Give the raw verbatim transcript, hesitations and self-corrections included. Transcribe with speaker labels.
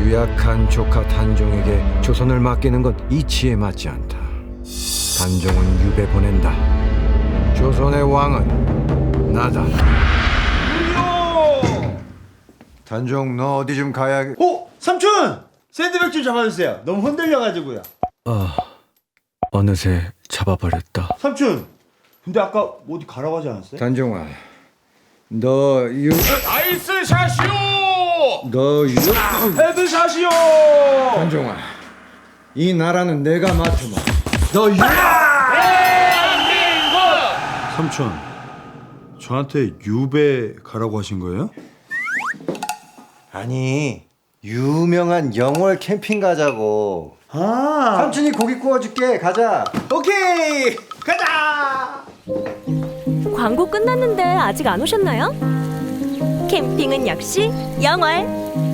Speaker 1: 유약한 조카 단종에게 조선을 맡기는 건 이치에 맞지 않다. 단종은 유배 보낸다. 조선의 왕은 나다. 단종, 너 어디 좀 가야...
Speaker 2: 어? 삼촌! 샌드백 좀 잡아주세요. 너무 흔들려가지고요.
Speaker 1: 아, 어느새 잡아버렸다.
Speaker 2: 삼촌! 근데 아까 어디 가라고 하지 않았어요?
Speaker 1: 단종아, 너 유...
Speaker 3: 아이스 샷이요!
Speaker 1: 너 유...
Speaker 2: 헤드샷이요!
Speaker 1: 단종아, 이 나라는 내가 맡으마. 너 유...
Speaker 2: 삼촌, 저한테 유배 가라고 하신 거예요?
Speaker 4: 아니, 유명한 영월 캠핑 가자고.
Speaker 2: 아,
Speaker 4: 삼촌이 고기 구워줄게. 가자.
Speaker 2: 오케이! 가자!
Speaker 5: 광고 끝났는데 아직 안 오셨나요? 캠핑은 역시 영월.